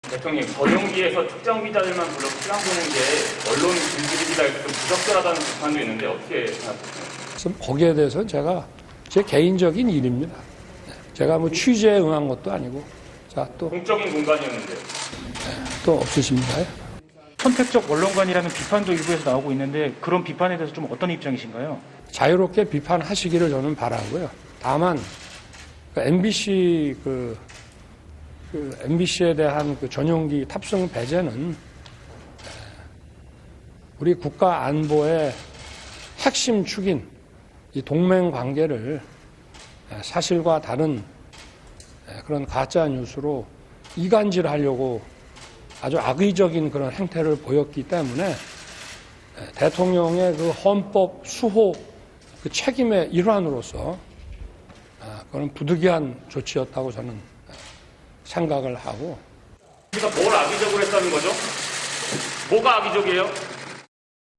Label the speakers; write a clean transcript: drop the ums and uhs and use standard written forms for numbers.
Speaker 1: 대통령, 전용기에서 특정 기자들만 불러 시간 보는 게 언론 길들이기가 좀 부적절하다는 비판도 있는데 어떻게 생각하세요?
Speaker 2: 거기에 대해서는 제가 제 개인적인 일입니다. 제가 뭐 취재에 응한 것도 아니고. 자, 또.
Speaker 1: 공적인 공간이었는데요.
Speaker 2: 또 없으십니까?
Speaker 3: 선택적 언론관이라는 비판도 일부에서 나오고 있는데 그런 비판에 대해서 좀 어떤 입장이신가요?
Speaker 2: 자유롭게 비판하시기를 저는 바라고요. 다만 MBC MBC에 대한 그 전용기 탑승 배제는 우리 국가 안보의 핵심 축인 이 동맹 관계를 사실과 다른 그런 가짜 뉴스로 이간질하려고 아주 악의적인 그런 행태를 보였기 때문에 대통령의 그 헌법 수호 그 책임의 일환으로서 그런 부득이한 조치였다고 저는 생각을 하고.
Speaker 1: 우리가 뭘 악의적으로 했다는 거죠? 뭐가 악의적이에요?